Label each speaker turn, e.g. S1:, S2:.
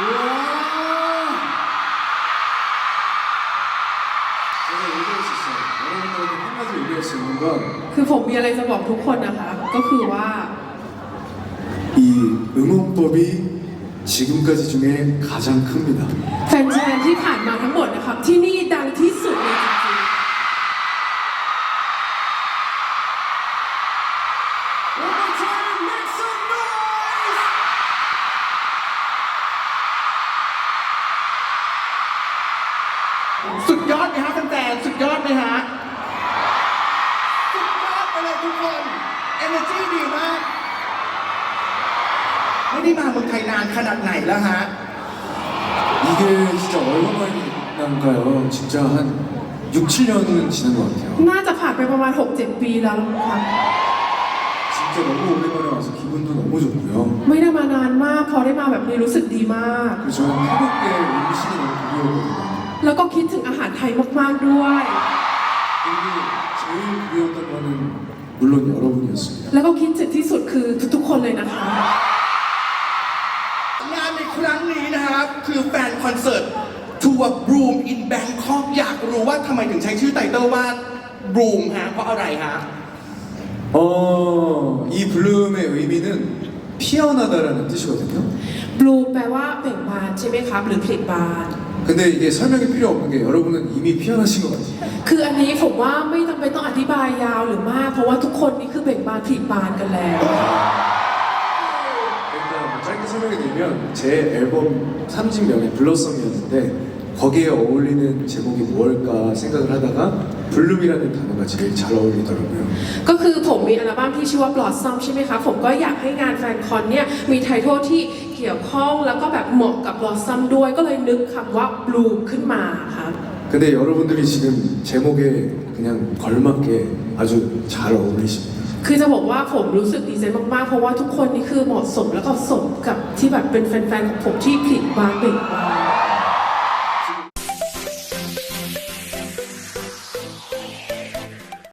S1: 제가 얘기할 수 있어요. 여러분들에게 한 가지 얘기할 수 있는 건
S2: คือผมมีอะไรจะบอกทุกคนนะคะ ก็คือว่า
S1: 이 응원법이 지금까지 중에 가장 큽니다.
S2: แฟนๆที่ผ่านมาทั้งหมดนะครับที่นี่ดังที่สุดเลยจริง
S1: One more time, make some noise!
S3: สุดยอดไหมฮะแฟนๆสุดยอดไหมฮะสุดยอดไปเลยทุกคน energy ดีมาก ไม่ได้มาเมืองไทยนานขนาดไหนแล้วฮะ
S1: 이게 진짜 얼마만인가요? 진짜 한 6, 7년은 지난 것 같아요.
S2: ๆ น่าจะผ่านไปประมาณ 6-7 ปีแล้วนะครับ
S1: 진짜 너무 오랜만에 와서 기분도 너무 좋고요.
S2: ไม่ได้มานานมาก พอได้มาแบบนี้รู้สึกดีมาก
S1: 그리고 저는 태국의 음식이 너무 그리웠거든요.
S2: แล้วก็คิดถึงอาหารไทยมากๆด้วย
S1: 그리고 제일 그리웠던 거는 물론 여러분이었습니다.
S2: แล้วก็คิดถึงที่สุดคือทุกๆคนเลยนะคะ
S3: งานในครั้งนี้นะครับคือแฟนคอนเสิร์ตทัวร์ Bloom in Bangkok อยากรู้ว่าทำไมถึงใช้ชื่อไตเติ้ลว่า Bloom ฮะเพราะอะไรฮะ
S1: 이 블룸의 의미는 피어나다라는 뜻이거든요.
S2: บลูแปลว่าเบ่งบานใช่ไหมครับ หรือผลิบาน
S1: 근데 이게 설명이 필요 없는 게 여러분은 이미 피어나신 것 같아요.
S2: คืออันนี้ผมว่าไม่จำเป็นต้องอธิบายยาวหรือมาก เพราะว่าทุกคนนี่คือเบ่งบานผลิบานกันแล้ว
S1: 일단 뭐 짧게 설명이 되면 제 앨범 3집명이 블러썸이었는데 거기에 어울리는 제목이 무엇일까 생각을 하다가 블룸이라는 단어가 제일 잘 어울리더라고요.
S2: ก็คือผมมีอัลบั้มที่ชื่อว่า Blossom ใช่ไหมคะผมก็อยากให้งานแฟนคอนเนี่ยมีไททอลที่เกี่ยวข้องแล้วก็แบบเหมาะกับ Blossom ด้วยก็เลยนึกคำว่า Bloom ขึ้นมาครับ
S1: 근데 여러분들이 지금 제목에 그냥 걸맞게 아주 잘 어울리십니다.
S2: คือจะบอกว่าผมรู้สึกดีใจมากๆเพราะว่าทุกคนนี่คือเหมาะสมแล้วก็สมกับที่แบบเป็นแฟนๆของผมที่ผลิบานเบ่งบาน